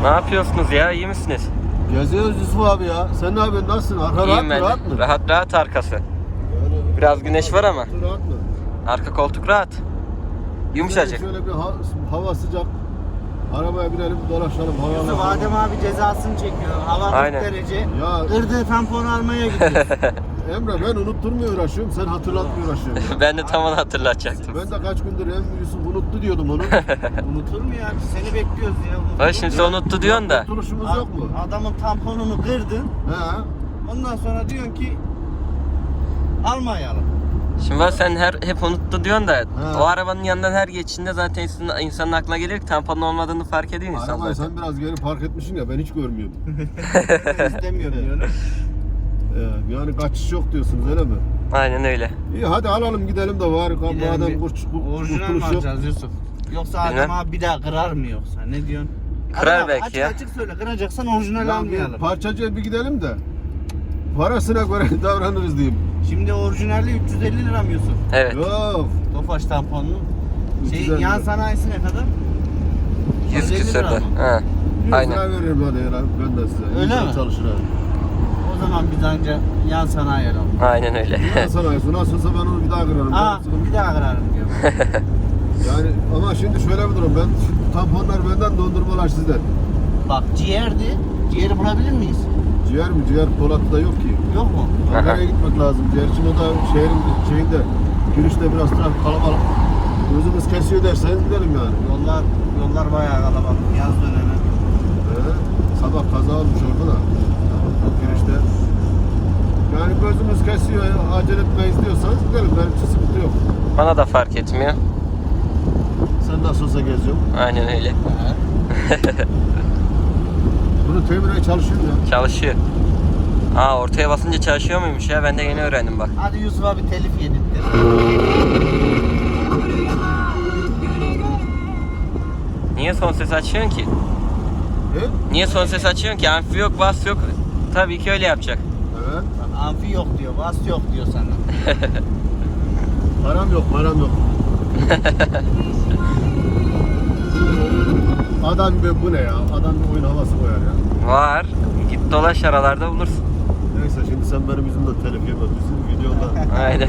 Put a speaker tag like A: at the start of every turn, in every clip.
A: Ne yapıyorsunuz ya? İyi misiniz?
B: Geziyoruz Yusuf abi ya. Sen ne yapıyorsun? Nasılsın? Arka
A: İyiyim ben de.
B: rahat mı?
A: Rahat arkası. Biraz güneş var ama.
B: Rahat mı?
A: Arka koltuk rahat. Yumuşacık.
B: Şöyle bir hava sıcak. Arabaya binelim dolaşalım.
C: Yusuf Adem abi cezasını çekiyor. Hava 40
A: Aynen.
C: derece.
B: Ya
C: Kırdığı tamponu almaya gidiyoruz.
B: Emre ben unutturmaya uğraşıyorum. Sen hatırlatmaya uğraşıyorsun.
A: Ben de tam onu hatırlatacaktım.
B: Ben de kaç gündür Yusuf unuttu diyordum onu.
C: Unutur mu ya? Seni bekliyoruz ya. Unutur
A: Bak
C: mu
A: şimdi
C: ya?
A: sen unuttu diyorsun da.
B: Unutturuşumuz yok mu?
C: Adamın tamponunu kırdın.
B: He.
C: Ondan sonra diyorsun ki almayalım.
A: Şimdi bak sen hep unuttu diyorsun da
B: He.
A: o arabanın yanından her geçişinde zaten insanın aklına gelir ki tamponun olmadığını fark ediyor insan
B: Arabayı
A: zaten.
B: sen biraz geri park etmişsin ya ben hiç görmüyorum.
C: İstemiyorum diyorum.
B: Yani kaçış yok diyorsunuz öyle mi?
A: Aynen öyle.
B: İyi hadi alalım gidelim de var.
C: Gidelim
B: Madem
C: bir orijinal mi
B: kurtuluş yok.
C: alacağız Yusuf? Yoksa Adem
A: Bilmem.
C: abi bir daha kırar mı yoksa? Ne diyorsun?
A: Kırar
C: Adem abi,
A: belki
C: açık
A: ya.
C: Açık söyle, kıracaksan orijinal
B: Ya
C: almayalım.
B: bir parçacıya bir gidelim de parasına göre davranırız diyeyim.
C: Şimdi orijinali 350 lira mı Yusuf?
A: Evet.
B: Yok.
C: Tofaş tamponunun.
B: 350
C: Yan
B: lira.
C: sanayisi ne kadar?
A: 100
C: 150
A: küsürdü.
C: lira mı?
A: Ha.
B: 100
A: Aynen.
B: lira veririm hadi ya ben de size.
C: Öyle
B: İnsan
C: mi?
B: Çalışır abi.
C: O zaman biz anca yan sanayi alalım.
A: Aynen öyle.
B: Ben sanayisi nasılsa ben onu bir daha kırarım.
C: Aa, bir daha kırarım diyor.
B: Yani ama şimdi şöyle bir durum. Ben şu tamponlar benden dondurmalar sizden.
C: Bak ciğerdi. Ciğeri bulabilir miyiz?
B: Ciğer mi? Ciğer Polat'ta yok ki.
C: Yok mu?
B: Ankara'ya gitmek lazım. Ciğer için o da şehrin şeyinde girişte biraz trafik kalabalık. Gözümüz kesiyor derseniz gidelim yani.
C: Yollar bayağı kalabalık. Yaz dönemi.
B: Sabah kaza olmuş orada da. Girişte. Yani gözümüz kesiyor, acele etmeyiz diyorsanız gidelim. Benim için sıkıntı yok.
A: Bana da fark etmiyor.
B: Sen nasıl olsa geziyorsun.
A: Aynen öyle.
B: Bunu temireye çalışıyor ya.
A: Çalışıyor. Aa ortaya basınca çalışıyor muymuş ya? Ben de yeni öğrendim bak.
C: Hadi Yusuf abi telif yedirtti.
A: Niye son ses açıyorsun ki?
B: He?
A: Niye son ses açıyorsun ki? Amfi yok, bas yok. Tabii ki öyle yapacak.
B: Evet.
C: Bak, amfi yok diyor, bas yok diyor sana.
B: Param yok. Adam be bu ne ya? Adam bir oyun havası koyar ya.
A: Var. Git dolaş aralarda bulursun.
B: Neyse şimdi sen benim yüzümden telif yeme. Bizim videoda.
A: Aynen.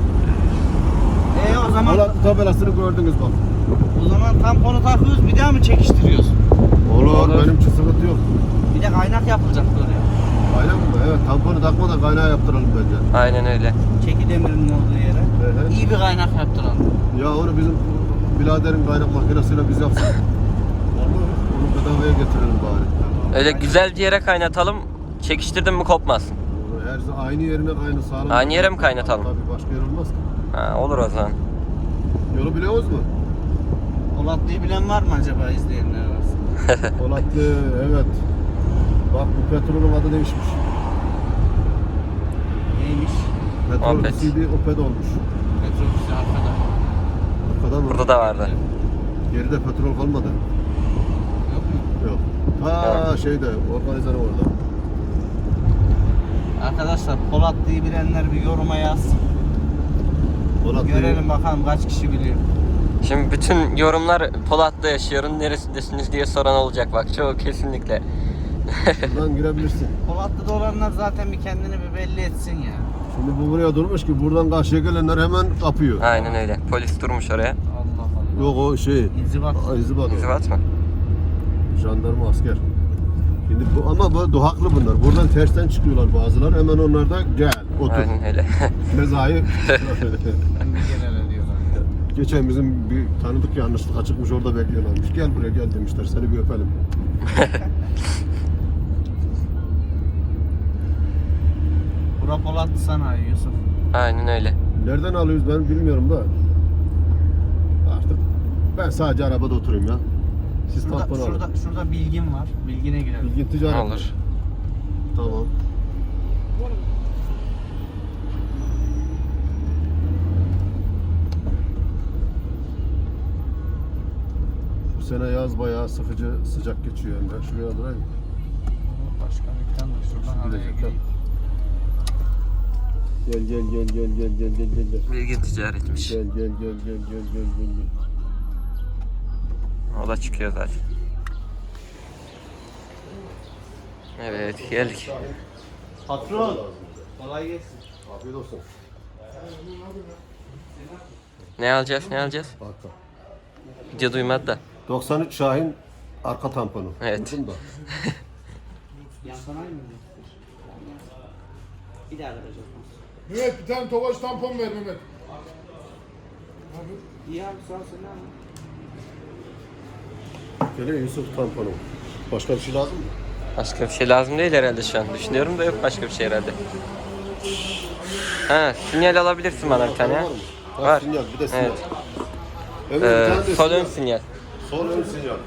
C: O zaman
B: Polat tabelasını gördünüz bak.
C: tamponu takıyoruz, bir daha mı çekiştiriyoruz?
B: Olur. Benim için sıkıntı yok.
C: Bir de kaynak yapılacak oraya.
B: Aynen mi? Evet tamponu takmadan kaynağı yaptıralım bence.
A: Aynen öyle.
C: Çeki demirinin olduğu yere.
B: Evet.
C: İyi bir kaynak yaptıralım.
B: Ya onu bizim biraderin kaynak makinesiyle biz yapsak. Olur. Onu bedavaya getirelim bari.
A: Öyle güzel bir yere kaynatalım. Çekiştirdin mi kopmaz.
B: Her aynı yerine aynı sağlam.
A: Aynı yere mi kaynatalım?
B: Tabii başka yer olmaz ki.
A: Ha, olur o zaman.
B: Yolu biliyoruz mu?
C: Polatlı'yı bilen var mı acaba izleyenler arasında?
B: Polatlı evet. Bak bu petrolün adı değişmiş.
C: Neymiş?
B: Petrol
A: Opet.
B: CD Opet olmuş.
C: Metrobüsü arkada.
B: Arkadan mı?
A: Burada da vardı.
B: Geride petrol kalmadı.
C: Yok mu?
B: Yok. Ha şeyde organizanı orada.
C: Arkadaşlar Polatlı'yı bilenler bir yoruma yazsın.
B: Polatlı.
C: Görelim bakalım kaç kişi biliyor.
A: Şimdi bütün yorumlar Polat'ta yaşıyorum, neresindesiniz diye soran olacak bak. Çoğu kesinlikle.
B: Buradan girebilirsin.
C: Polatlı'da olanlar zaten bir kendini bir belli etsin ya.
B: Şimdi bu buraya durmuş ki buradan karşıya gelenler hemen kapıyor.
A: Aynen öyle. Polis durmuş oraya.
C: Allah Allah.
B: Yok o şey.
C: İnzibat.
B: İnzibat.
A: İnzibat mı?
B: Jandarma asker. Şimdi bu ama bu duhaklı bunlar. Buradan tersten çıkıyorlar bazıları. Hemen onlar da gel otur.
A: Aynen öyle.
B: Mezayı.
C: Genel diyorlar.
B: Geçen bizim bir tanıdık yanlışlık çıkmış orada bekliyorlarmış. Gel buraya gel demişler. Seni bir öpelim.
C: Bura Polatlı sanayi Yusuf.
A: Aynen öyle.
B: Nereden alıyoruz ben bilmiyorum da. Artık ben sadece arabada oturayım ya. Siz tampon alın.
C: Şurada bilgin var. Bilgine girelim.
B: Bilgin ticaret.
A: Olur.
B: Tamam. Bu sene yaz bayağı sıkıcı sıcak geçiyor yani. Ben şuraya durayım.
C: Başka dükkan da şuradan araya gireyim.
B: Gel.
A: Bilgin ticaretmiş.
B: Gel.
A: O da çıkıyor zaten. Evet geldik.
C: Patron. Kolay gelsin.
B: Afiyet olsun.
A: Ne alacağız? Ne alacağız?
B: Arka.
A: Video duymadı da.
B: 93 Şahin arka tamponu.
A: Evet.
B: Duydun da.
C: Yan sanayi mi? Bir daha vereceğiz.
D: Mehmet bir tane Tofaş tampon ver Mehmet.
C: İyi abi sağ ol sen ne abi?
B: Geliyor Yusuf tamponu. Başka bir şey lazım mı?
A: Başka bir şey lazım değil herhalde şu an. Düşünüyorum da yok başka bir şey herhalde. Ha, sinyal alabilirsin bana bir tane ya.
B: Var mı?
A: Var.
B: Sinyal, bir de sinyal.
A: Evet.
B: Evet, bir tane de
A: Sol ön sinyal.
B: Sol ön sinyal.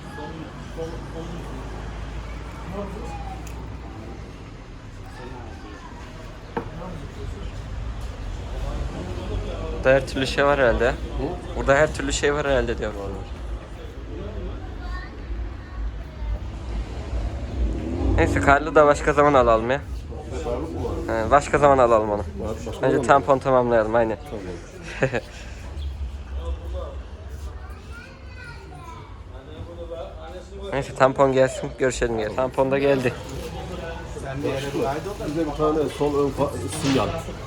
A: Burada her türlü şey var herhalde. Burada her türlü şey var herhalde diyorum onlar. Neyse karlı da başka zaman alalım ya. Başka zaman alalım onu. Önce tampon tamamlayalım aynen. Neyse tampon gelsin görüşelim ya. Tampon da geldi.
C: Sen bir yere kaydı da.
B: Bize bir tane sol ön sinyal.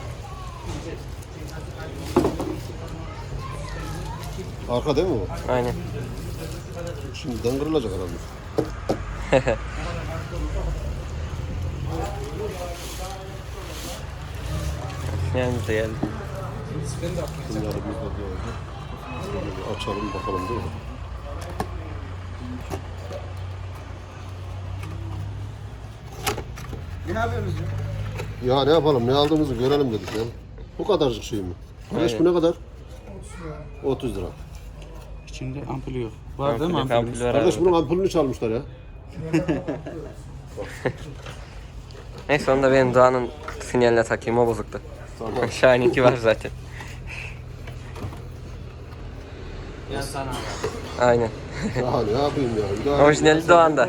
B: Arka değil mi o?
A: Aynen.
B: Şimdiden kırılacak herhalde.
A: Sinyalimiz de geldi.
B: Sinyali biz de diyoruz. Açalım bakalım değil mi?
C: Ne yapıyorsunuz ya?
B: Ya ne yapalım, ne aldığımızı görelim dedik ya. Bu kadarcık şey mi? Kardeş bu ne kadar? 30 lira.
C: İçinde ampulü yok. Var değil mi
A: Ampul
C: ampulü?
A: var
B: Kardeş
A: abi.
B: bunun ampulünü çalmışlar ya.
A: Neyse onu da benim Doğan'ın sinyaline takayım o bozuktu.
B: Tamam.
A: Şahin'inki var zaten.
C: Yan sanayi.
A: Aynen.
B: Ya ne yapayım ya? Bir daha-
A: Orijinali Doğan'da.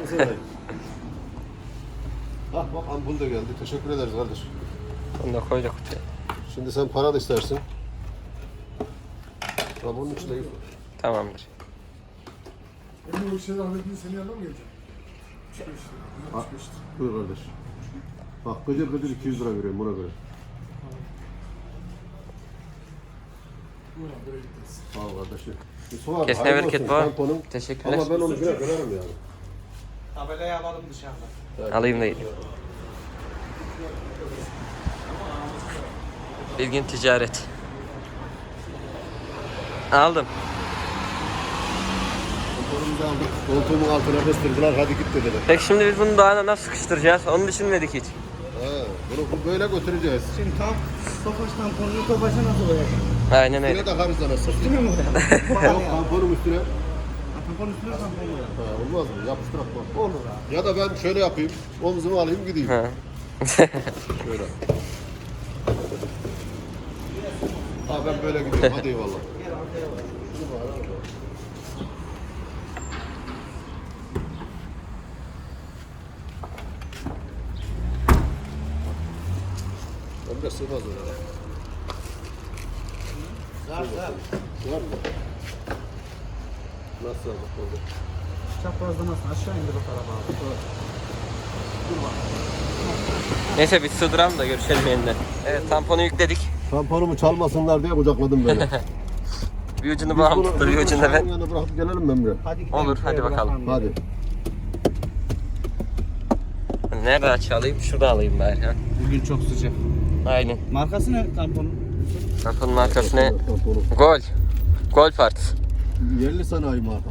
B: Hah bak ampul de geldi. Teşekkür ederiz kardeş.
A: Onu da koyduk kutuya.
B: Şimdi sen para da istersin. Ya bunun içinde yok.
A: Tamamdır.
D: Benim o işleri hallettiğin senin yanına mı geleceğim? 35 lira. 65 lira.
B: Buyur kardeş. Bak gıcır gıcır 200 lira veriyorum buna göre.
D: Buyurun böyle gideriz.
B: Sağ ol kardeşim. Yusuf abi,
A: Kesme
B: hayırlı
A: bereket
B: olsun
A: var.
B: tamponun.
A: Teşekkürler.
B: Ama ben onu güne görerim yani.
C: Tabelayı alalım dışarıda.
A: Alayım da gideyim. Bilgin ticaret. Aldım.
B: Tamponumuzu aldık. Koltuğumun altına kıstırdılar. Hadi git dediler.
A: Peki şimdi biz bunu Doğan'a nasıl sıkıştıracağız? Onu düşünmedik hiç.
B: Bunu böyle götüreceğiz.
C: Şimdi tam Tofaş tamponunu Tofaş'a nasıl koyacağım?
A: Aynen
B: Üstüne
A: öyle.
B: takarız anasını.
C: Değil mi bu?
B: Yok tamponum üstüne.
C: Tampon üstüne tampon koyalım.
B: Ha, olmaz mı? Yapıştırak bak.
C: Olur abi.
B: Ya da ben şöyle yapayım. Omzumu alayım gideyim.
A: Ha.
B: Şöyle. Ha ben böyle gidiyorum. Hadi eyvallah.
C: Gel arkaya bak.
B: Ben de sığmaz öyle.
C: Var var.
B: Var mı? Nasıl aldık oldu?
C: Çaprazdan nasıl aşağı indir o tarafa abi.
A: Neyse biz sığdıralım da görüşelim yeniden. Evet tamponu yükledik.
B: Tamponumu çalmasınlar diye kucakladım beni.
A: Bir ucunu babam tuttu bir ucunu da ben.
B: Yanına bırakıp gelelim mi Emre?
C: Hadi gidelim.
A: Olur, hadi
C: Şöyle
A: bakalım.
B: Hadi.
A: Nerede açayım? Şurada alayım bari ha.
C: Bugün çok sıcak.
A: Aynen.
C: Markası ne tamponun?
A: Tamponun markası ne?
B: Tamponu.
A: Gol. Gol partisi.
B: Yerli sanayi marka.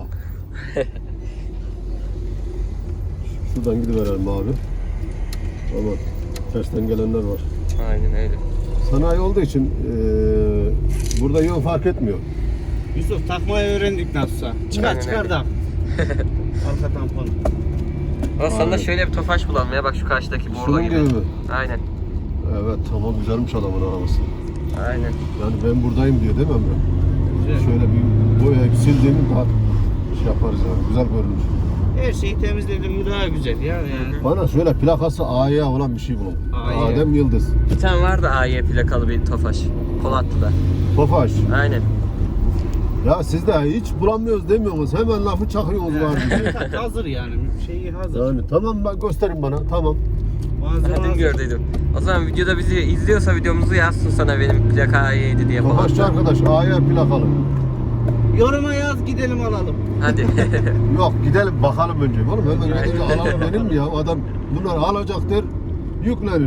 B: Şuradan gidiverelim abi. Ama tersten gelenler var.
A: Aynen öyle.
B: Sanayi olduğu için burada yön fark etmiyor.
C: Yusuf takmayı öğrendik nasılsa. Çıkar
A: Aynen
C: çıkar
A: öyle.
C: da. Arka tampon.
A: Aslında
B: Aynen.
A: şöyle bir tofaş bulalım ya bak şu karşıdaki bordo
B: Şunun
A: gibi.
B: gibi mi?
A: Aynen.
B: Evet tamam güzelmiş adamın arabası.
A: Aynen.
B: Yani ben buradayım diyor değil mi Emre?
C: Güzel.
B: Şöyle bir boyayıp sildiğimi daha şey yaparız yani. Güzel görünür.
C: Her şeyi temizledim mi daha güzel ya yani.
B: Bana şöyle plakası A'ya olan bir şey bulun.
C: AY.
B: Adem Yıldız.
A: Bir tane vardı AY plakalı bir tofaş. Polatlı'da.
B: Tofaş.
A: Aynen.
B: Ya siz de hiç bulamıyoruz demiyorsunuz. Hemen lafı çakıyorsunuz var diye.
C: Hazır yani. Şeyi hazır.
B: Yani tamam bak gösterin bana. Tamam.
C: Malzeme
A: Kendim
C: hazır.
A: gördüydüm. O zaman videoda bizi izliyorsa videomuzu yazsın sana benim plaka A7 diye falan.
B: Tofaşçı arkadaş A'ya plakalı.
C: Yoruma yaz gidelim alalım.
A: Hadi.
B: Yok gidelim bakalım önce. Oğlum hemen gidince alalım denir mi ya? Adam bunlar alacaktır, yüklenir.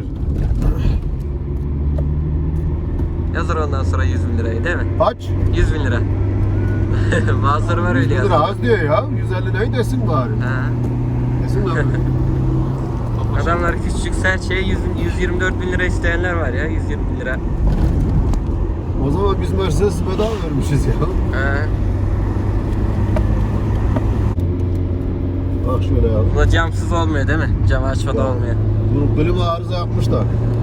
A: Yazır ondan sonra 100 bin lirayı değil mi?
B: Kaç?
A: 100 bin lira. Bazıları var
B: 100
A: öyle
B: lira
A: yazıyor.
B: az diyor ya. 150 neyi desin bari.
A: Ha.
B: Desin abi.
A: Adamlar küçükse her şeye 124 bin lira isteyenler var ya, 120 bin lira.
B: O zaman biz Mercedes bedava vermişiz ya.
A: Ha.
B: Bak şöyle ya.
A: Bu da camsız olmuyor değil mi? Camı açmadan olmuyor.
B: Bunu klima arıza yapmışlar.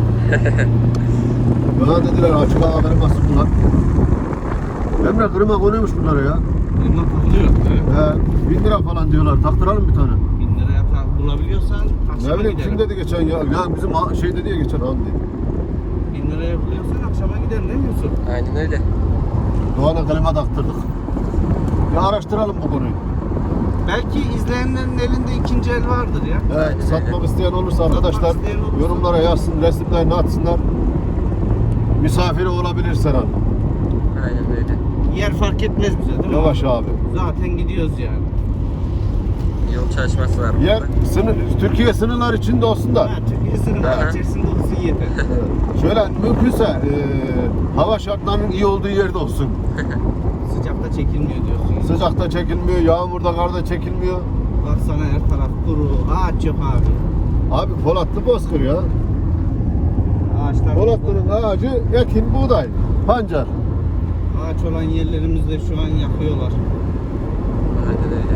B: Bana dediler açık hava kliması bunlar. Emre klima konuyormuş bunlara ya.
C: Elma takılıyor.
B: He, 1000 lira falan diyorlar. Taktıralım bir tane.
C: 1000 liraya bulabiliyorsan
B: Ne
C: akşama
B: bileyim
C: gidelim.
B: kim dedi geçen ya? Ya bizim şey dedi ya geçen Hamdi.
C: 1000 liraya buluyorsan akşama gidelim değil mi Yusuf?
A: Aynen öyle.
B: Doğan'a klima taktırdık. Bir araştıralım bu konuyu.
C: Belki izleyenlerin elinde ikinci el vardır ya.
B: Evet, satmak isteyen olursa arkadaşlar
C: isteyen olursa.
B: yorumlara yazsın, resimlerini atsınlar. Misafiri olabilir Serhan.
A: Aynen öyle.
C: Yer fark etmez bize değil mi?
B: Yavaş abi.
C: Zaten gidiyoruz yani.
A: Yol çalışması var
B: Yer
A: burada.
B: Türkiye sınırlar içinde olsun da.
C: Ha, Türkiye sınırı
A: Aha.
C: içerisinde olsun yeter.
B: Şöyle mümkünse hava şartlarının iyi olduğu yerde olsun.
C: Sıcakta çekilmiyor diyorsun.
B: Sıcakta çekilmiyor, yağmurda, karda çekilmiyor.
C: Baksana her taraf kuru, ağaç yok abi.
B: Abi Polatlı Bozkır ya.
C: Ağaçlar
B: Polatlı'nın ağacı ekin, buğday, pancar.
C: ağaç olan yerlerimizde şu an yakıyorlar.
A: Aynen öyle.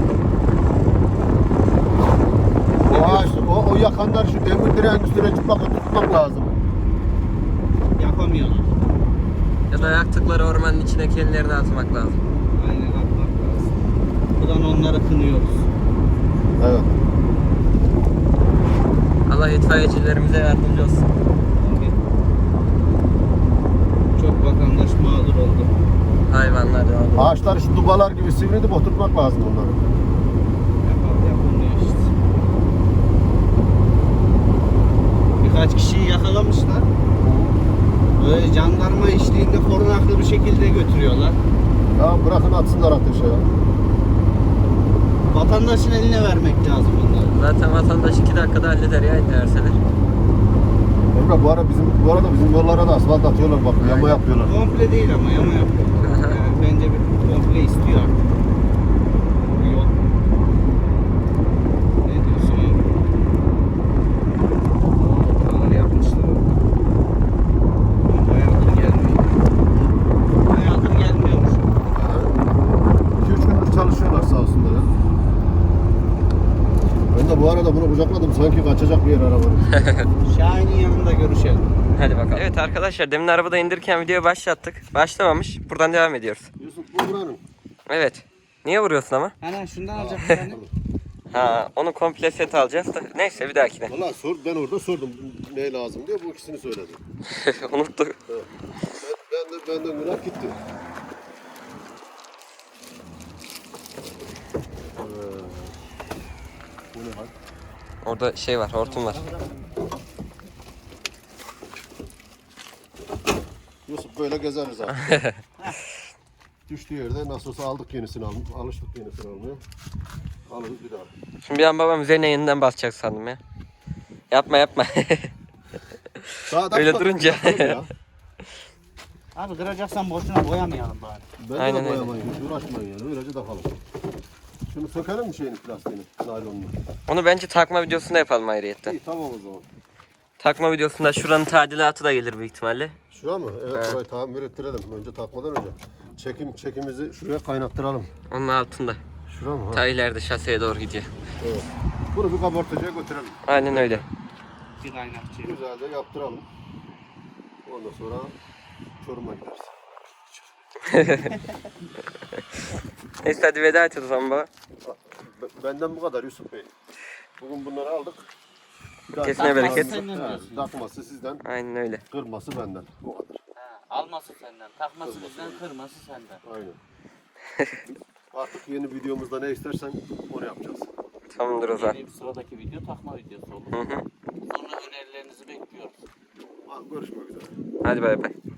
B: O ağaç, o yakanlar şu demir direğin üstüne tutmak lazım.
C: Yapamıyorlar.
A: Ya da yaktıkları ormanın içine kendilerini atmak lazım.
C: Aynen atmak lazım. Buradan onları kınıyoruz.
B: Evet.
A: Allah itfaiyecilerimize yardımcı olsun.
C: Tabii. Çok vatandaş mağdur oldu.
A: Hayvanlar da oldu.
B: Ağaçları şu dubalar gibi sivrilip oturtmak lazım onları.
C: Yapılmıyor işte. Birkaç kişiyi yakalamışlar. Böyle jandarma eşliğinde korunaklı bir şekilde götürüyorlar.
B: Ya bırakın atsınlar ateşe ya.
C: Vatandaşın eline vermek lazım bunları.
A: Zaten vatandaş 2 dakikada halleder ya interseler.
B: Emre bu arada bizim yollara da asfalt atıyorlar bak, yama yapıyorlar.
C: Komple değil ama yama yapıyorlar.
A: Aha.
C: Yani bence bir komple istiyor artık. Bu yol. Ne diyorsun ya? Buraları yapmışlar. Bayağıdır gelmiyor. Bayağıdır gelmiyormuş.
B: 2-3 gündür çalışıyorlar sağ olsunlar ya. Ben de bu arada bunu kucakladım, sanki kaçacak bir yer arabanın.
C: Şahin'in yanında görüşelim.
A: Hadi bakalım. Evet arkadaşlar, demin arabada indirirken videoyu başlattık. Başlamamış. Buradan devam ediyoruz.
B: Yusuf bu buranın.
A: Evet. Niye vuruyorsun ama?
C: Hani şundan alacak bir tane.
A: Ha, onu komple set alacağız da. Neyse, bir dahakine.
B: Valla ben orada sordum ne lazım diye, bu ikisini söyledi.
A: Unuttuk.
B: Benden günah gitti. Bu ne lan?
A: Orada şey var, hortum var.
B: Yusuf böyle gezeriz abi. Düştüğü yerde nasıl olsa aldık yenisini, alıştık yenisini almaya. Alırız bir daha.
A: Şimdi bir an babam üzerine yeniden basacak sandım ya. Yapma yapma.
B: Daha
A: Öyle
B: da
A: durunca.
B: ya.
C: Abi kıracaksan boşuna boyamayalım bari.
B: Bence
A: Aynen
B: de
A: öyle.
B: boyamayın, hiç uğraşmayın yani. Öylece takalım. Şunu sökelim mi şeyini, plastiğini, naylonunu?
A: Onu bence takma videosunda yapalım ayrıyetten.
B: İyi tamam o zaman.
A: Takma videosunda şuranın tadilatı da gelir büyük ihtimalle.
B: Şura mı? Evet, burayı tamir ettirelim. Önce takmadan önce. Çekimizi şuraya kaynattıralım.
A: Onun altında.
B: Şura mı? Ha?
A: Ta ileride şaseye doğru gidiyor.
B: Evet. Bunu bir kabartıcıya götürelim.
A: Aynen öyle.
C: Bir kaynakçı.
B: Güzelce yaptıralım. Ondan sonra Çorum'a gideriz.
A: Neyse hadi veda et o zaman baba.
B: Benden bu kadar Yusuf Bey. Bugün bunları aldık. Bir daha
A: Kesine bereket.
C: Senden diyorsun.
B: Takması sizden,
A: Aynen öyle.
B: kırması benden. Bu kadar.
C: Alması senden, takması bizden, kırması senden.
B: Aynen. Artık yeni videomuzda ne istersen onu yapacağız.
A: Tamamdır o zaman.
C: Yeni bir sıradaki video takma videosu olur.
A: Hı hı.
C: Sonra önerilerinizi bekliyoruz.
B: Görüşmek üzere.
A: Hadi bay bay.